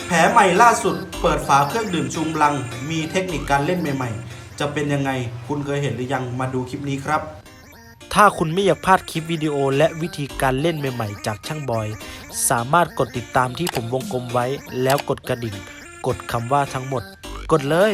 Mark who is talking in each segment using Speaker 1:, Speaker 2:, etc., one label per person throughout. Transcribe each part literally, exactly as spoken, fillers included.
Speaker 1: แผลใหม่ล่าสุดเปิดฝาเครื่องดื่มชูกำลังมีเทคนิคการเล่นใหม่ๆจะเป็นยังไงคุณเคยเห็นหรือยังมาดูคลิปนี้ครับถ้าคุณไม่อยากพลาดคลิปวิดีโอและวิธีการเล่นใหม่ๆจากช่างบอยสามารถกดติดตามที่ผมวงกลมไว้แล้วกดกระดิ่งกดคำว่าทั้งหมดกดเลย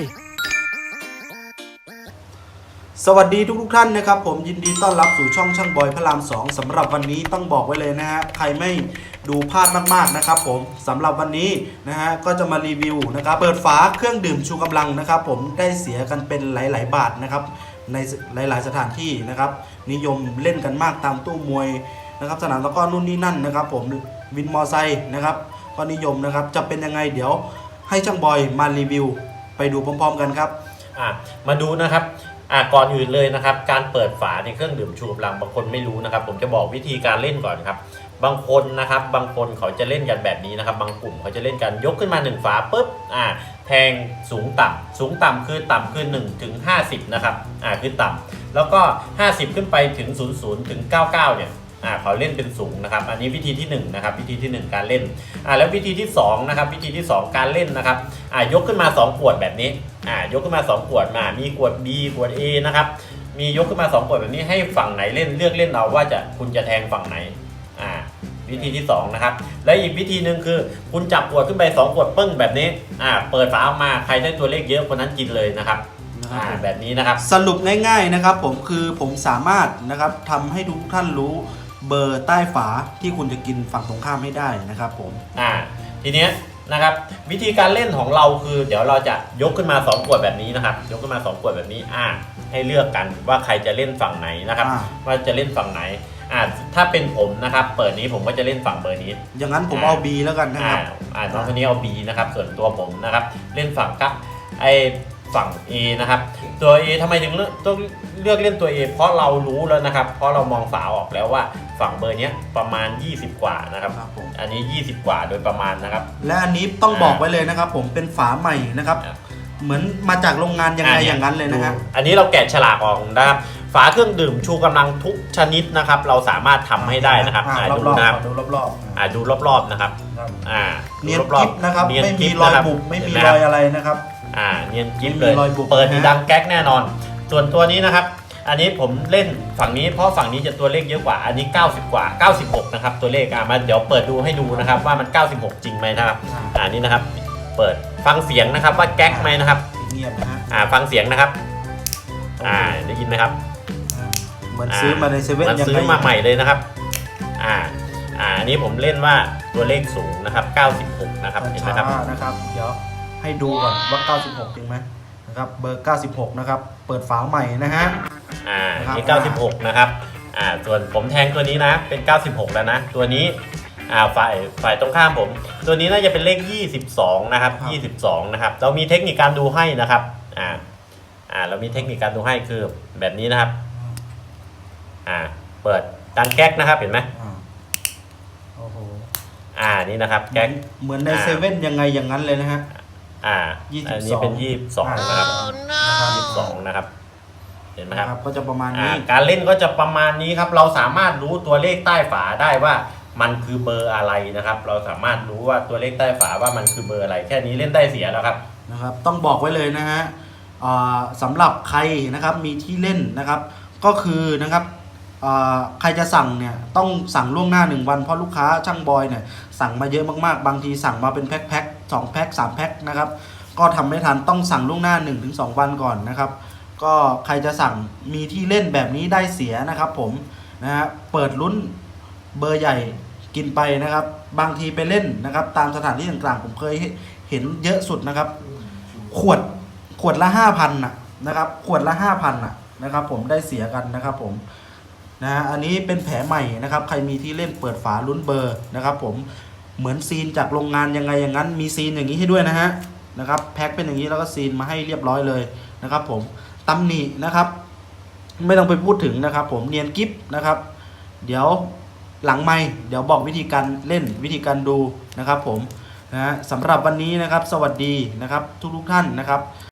Speaker 1: สวัสดีทุกๆท่านนะครับผมยินดีต้อนรับสู่ช่องช่างบอยพระรามสองสำหรับวันนี้ต้องบอกไว้เลยนะฮะใครไม่ดูพลาดมากๆนะครับผมสำหรับวันนี้นะฮะก็จะมารีวิวนะครับเปิดฝาเครื่องดื่มชูกำลังนะครับผมได้เสียกันเป็นหลายๆบาทนะครับในหลายๆสถานที่นะครับนิยมเล่นกันมากตามตู้มวยนะครับสนามตะกร้อนู่นนี่นั่นนะครับผมวินมอไซค์นะครับก็นิยมนะครับจะเป็นยังไงเดี๋ยวให้ช่างบอยมารีวิวไปดูพร้อมๆกันครับ
Speaker 2: อ่ะมาดูนะครับอ่ะก่อนอื่นเลยนะครับการเปิดฝาในเครื่องดื่มชูกำลังบางคนไม่รู้นะครับผมจะบอกวิธีการเล่นก่อนครับบางคนนะครับบางคนเขาจะเล่นกันแบบนี้นะครับบางกลุ่มเขาจะเล่นกันยกขึ้นมาหนึ่งฝาปุ๊บอ่ะแทงสูงต่ำสูงต่ำคือต่ำคือหนึ่งถึงห้าสิบนะครับอ่ะคือต่ำแล้วก็ห้าสิบขึ้นไปถึงศูนย์ ศูนย์ถึงเก้าสิบเก้าเนี่ยอ่าเขาเล่นเป็นสูงนะครับอันนี้วิธีที่หนึ่งนะครับวิธีที่หนึ่งการเล่นอ่าแล้ววิธีที่สองนะครับวิธีที่สองการเล่นนะครับอ่ายกขึ้นมาสองขวดแบบนี้อ่ายกขึ้นมาสองขวดมามีขวด B ขวด A นะครับมียกขึ้นมาสองขวดแบบนี้ให้ฝั่งไหนเล่นเลือกเล่นเอาว่าจะคุณจะแทงฝั่งไหนอ่าวิธีที่สองนะครับและอีกวิธีหนึ่งคือคุณจับขวดขึ้นไปสองขวดปึ้งแบบนี้อ่าเปิดฝาออกมาใครได้ตัวเลขเยอะคนนั้นกินเลยนะครับอ่าแบบนี้นะครับ
Speaker 1: สรุปง่ายๆนะครับผมคือผมสามารถนะครับทำให้ทุกท่านรู้เบอร์ใต้ฝาที่คุณจะกินฝั่งตรงข้ามให้ได้นะครับผม
Speaker 2: อ่าทีเนี้ยนะครับวิธีการเล่นของเราคือเดี๋ยวเราจะยกขึ้นมาสองขวดแบบนี้นะครับยกขึ้นมาสองขวดแบบนี้อ่าให้เลือกกันว่าใครจะเล่นฝั่งไหนนะครับว่าจะเล่นฝั่งไหนอ่าถ้าเป็นผมนะครับเปิดนี้ผมก็จะเล่นฝั่งเบอร์นี้
Speaker 1: อย่างนั้นผมเอา B แล้วกันนะครับ
Speaker 2: อ่าน้องคนนี้เอา B นะครับส่วนตัวผมนะครับเล่นฝั่งกับไอฝั่ง A นะครับตัว A ทำไมถึงเลือกต้องเลือกเล่นตัว A เพราะเรารู้แล้วนะครับเพราะเรามองฝาออกแล้วว่าฝั่งเบอร์นี้ประมาณยี่สิบกว่านะครับอันนี้ยี่สิบกว่าโดยประมาณนะครับ
Speaker 1: และอันนี้ต้องบอกไว้เลยนะครับผมเป็นฝาใหม่นะครับเหมือนมาจากโรงงานยังไงอย่างนั้นเลยนะครับ
Speaker 2: อันนี้เราแกะฉลากออกนะครับฝาเครื่องดื่มชูกำลังทุกชนิดนะครับเราสามารถทำให้ได้นะครับ
Speaker 1: ดูนะครับดูรอบ
Speaker 2: ๆอ่าดูรอบๆนะครับอ่า
Speaker 1: เนียนกิ๊บนะครับไม่มีรอยบุบไม่มีรอยอะไรนะครับ
Speaker 2: อ่าเนียนกิ๊บเลยเปิดดังแก๊กแน่นอนส่วนตัวนี้นะครับอันนี้ผมเล่นฝั่งนี้เพราะฝั่งนี้จะตัวเลขเยอะกว่าอันนี้เก้าสิบกว่าเก้าสิบหกนะครับตัวเลขอ่ะมาเดี๋ยวเปิดดูให้ดูนะครับว่ามันเก้าสิบหกจริงไหมนะครับอ่านี่นะครับเปิดฟังเสียงนะครับว่าแก๊กไหมนะครับ
Speaker 1: เงียบนะฮะ
Speaker 2: อ่าฟังเสียงนะครับอ่าได้ยินไหมครับ
Speaker 1: เหมือนซื้อมาในเซเว่น
Speaker 2: ยังซื้อมาใหม่เลยนะครับอ่าอ่าอันนี้ผมเล่นว่าตัวเลขสูงนะครับเก้าสิบหกนะครับเห็นไหมครับ
Speaker 1: นะครับเดี๋ยวให้ดูก่อนว่าเก้าสิบหกจริงไหมนะครับเบอร์เก้าสิบหกนะครับเปิดฝาใหม่นะฮะ
Speaker 2: อ่านี่เก้าสิบหกนะครับอ่าส่วนผมแทงตัวนี้นะเป็นเก้าสิบหกแล้วนะตัวนี้อ่าฝ่ายฝ่ายตรงข้ามผมตัวนี้น่าจะเป็นเลขยี่สิบสองนะครับยี่สิบสองนะครับเรามีเทคนิคการดูให้นะครับอ่าอ่าเรามีเทคนิคการดูให้คือแบบนี้นะครับอ่าเปิดดังแก๊กนะครับเห็นไหม
Speaker 1: โอ้โห
Speaker 2: อ่านี่นะครับแก๊ก
Speaker 1: เหมือนในเซเว่นยังไงอย่างนั้นเลยนะฮะ
Speaker 2: อ่าอันนี้เป็นยี่สิบสองนะครับยี่สิบสองนะครับเห็นไหมครับ
Speaker 1: ก็จะประมาณนี้
Speaker 2: การเล่นก็จะประมาณนี้ครับเราสามารถรู้ตัวเลขใต้ฝาได้ว่ามันคือเบอร์อะไรนะครับเราสามารถรู้ว่าตัวเลขใต้ฝาว่ามันคือเบอร์อะไรแค่นี้เล่นได้เสียแล้วครับ
Speaker 1: นะครับต้องบอกไว้เลยนะฮะสำหรับใครนะครับมีที่เล่นนะครับก็คือนะครับใครจะสั่งเนี่ยต้องสั่งล่วงหน้าหนึ่งวันเพราะลูกค้าช่างบอยเนี่ยสั่งมาเยอะมากๆบางทีสั่งมาเป็นแพ็คแพ็คสองแพ็คสามแพ็คนะครับก็ทำไม่ทันต้องสั่งล่วงหน้า หนึ่งถึงสอง วันก่อนนะครับก็ใครจะสั่งมีที่เล่นแบบนี้ได้เสียนะครับผมนะฮะเปิดลุ้นเบอร์ใหญ่กินไปนะครับบางทีไปเล่นนะครับตามสถานที่ต่างๆผมเคยเห็นเยอะสุดนะครับขวดขวดละ ห้าพัน นะนะครับขวดละ ห้าพัน นะนะครับผมได้เสียกันนะครับผมนะฮะอันนี้เป็นแผลใหม่นะครับใครมีที่เล่นเปิดฝาลุ้นเบอร์นะครับผมเหมือนซีนจากโรงงานยังไงอย่างนั้นมีซีนอย่างนี้ให้ด้วยนะฮะนะครับแพ็คเป็นอย่างนี้แล้วก็ซีนมาให้เรียบร้อยเลยนะครับผมตำหนินะครับไม่ต้องไปพูดถึงนะครับผมเนียนกิ๊บนะครับเดี๋ยวหลังไมค์เดี๋ยวบอกวิธีการเล่นวิธีการดูนะครับผมนะฮะสำหรับวันนี้นะครับสวัสดีนะครับทุกๆท่านนะครับ